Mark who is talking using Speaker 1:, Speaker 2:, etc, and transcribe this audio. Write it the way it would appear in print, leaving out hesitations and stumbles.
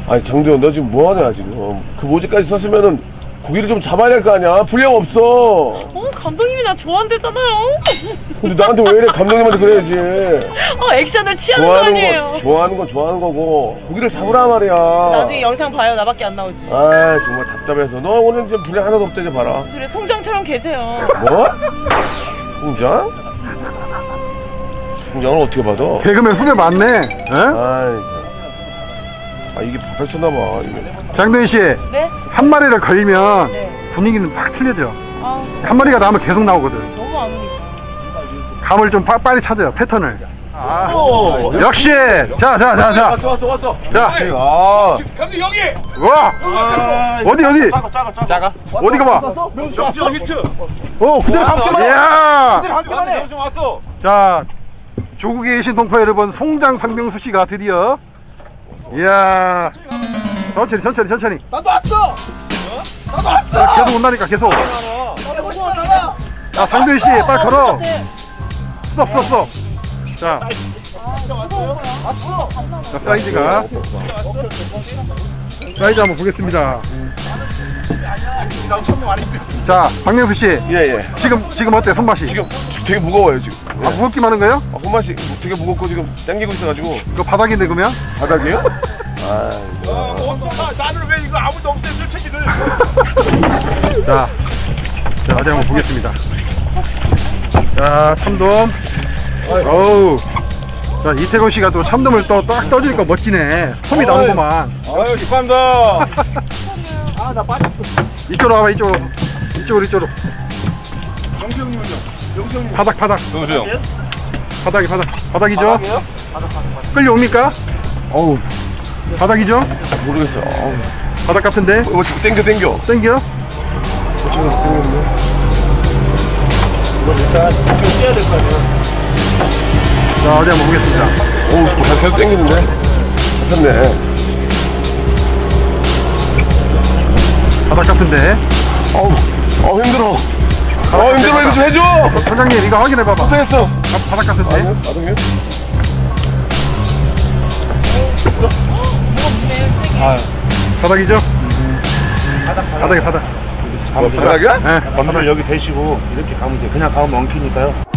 Speaker 1: 아니 장도현 너 지금 뭐하냐 지금. 그 모지까지 썼으면은 고기를 좀 잡아야 될 거 아니야. 분량 없어.
Speaker 2: 감독님이 나 좋아한대잖아요.
Speaker 1: 근데 나한테 왜 이래. 감독님한테 그래야지.
Speaker 2: 액션을 취하는 거 아니에요.
Speaker 1: 좋아하는 건 좋아하는 거고 고기를 잡으라 말이야.
Speaker 2: 나중에 영상 봐요. 나밖에 안 나오지.
Speaker 1: 아 정말 답답해서. 너 오늘 지금 분량 하나도 없대지 봐라.
Speaker 2: 그래 송장처럼 계세요.
Speaker 1: 뭐? 송장? 송장을 어떻게 받아?
Speaker 3: 개그맨 후배 맞네.
Speaker 1: 아이 이게 펼쳤나봐 이게.
Speaker 3: 장도현 씨.
Speaker 2: 네?
Speaker 3: 한 마리를 걸리면
Speaker 2: 네.
Speaker 3: 분위기는 확 틀려져.
Speaker 2: 한
Speaker 3: 마리가 나오면 계속 나오거든.
Speaker 2: 너무 안 오니까.
Speaker 3: 감을 좀 빨리 찾아요. 패턴을. 역시. 자.
Speaker 1: 왔어.
Speaker 3: 자.
Speaker 4: 감독 여기.
Speaker 3: 와. 어디?
Speaker 4: 작아.
Speaker 3: 어디가 봐.
Speaker 4: 명수형 히트.
Speaker 3: 그대로 감기만. 이야.
Speaker 4: 한 개만 해. 명수형 왔어.
Speaker 3: 자, 조국에 계신 동포 여러분, 송장 박명수 씨가 드디어. 이야. 천천히.
Speaker 4: 나도 왔어.
Speaker 3: 자, 계속 온다니까 계속. 자, 장도현 씨 빨리 걸어. 스톱. 자, 사이즈가. 사이즈 한번 보겠습니다. 자, 박명수 씨.
Speaker 1: 예.
Speaker 3: 지금 어때 손맛이?
Speaker 1: 지금 되게 무거워요 지금.
Speaker 3: 무겁기만 하는 거예요?
Speaker 1: 손맛이 되게 무겁고 지금 당기고 있어가지고.
Speaker 3: 그 바닥인데 그러면?
Speaker 1: 바닥이에요?
Speaker 4: 나는 왜 이거 아무도 없대 물체기를.
Speaker 3: 자, 어디 한번 보겠습니다. 자, 참돔. 어우. 자, 이태곤 씨가 또 참돔을 또 딱 떠주니까 멋지네. 솜이 나오구만.
Speaker 4: 아유, 축하합니다.
Speaker 3: 나 빠졌어. 이쪽으로 와봐, 이쪽으로.
Speaker 4: 영수 형님은요?
Speaker 3: 바닥.
Speaker 4: 영수 형.
Speaker 3: 바닥이죠? 끌려옵니까?
Speaker 1: 어우
Speaker 3: 바닥이죠?
Speaker 1: 모르겠어.
Speaker 3: 바닥 같은데?
Speaker 1: 이거 땡겨.
Speaker 3: 땡겨?
Speaker 1: 땡겼네.
Speaker 4: 이거 일단 지금 떼야 될 거 아니야?
Speaker 3: 자, 어디 한번 보겠습니다.
Speaker 1: 어우 계속 땡기는데. 잡혔네.
Speaker 3: 바닥 같은데?
Speaker 1: 힘들어. 힘들어. 이거 좀 해줘.
Speaker 3: 선장님, 이거 확인해봐봐.
Speaker 1: 못하겠어.
Speaker 3: 바닥 같은데?
Speaker 1: 바닥이요?
Speaker 3: 바닥이죠? 바닥.
Speaker 1: 바닥이야?
Speaker 3: 네.
Speaker 4: 건드를 여기 대시고 이렇게 가면 돼. 그냥 가면 엉키니까요.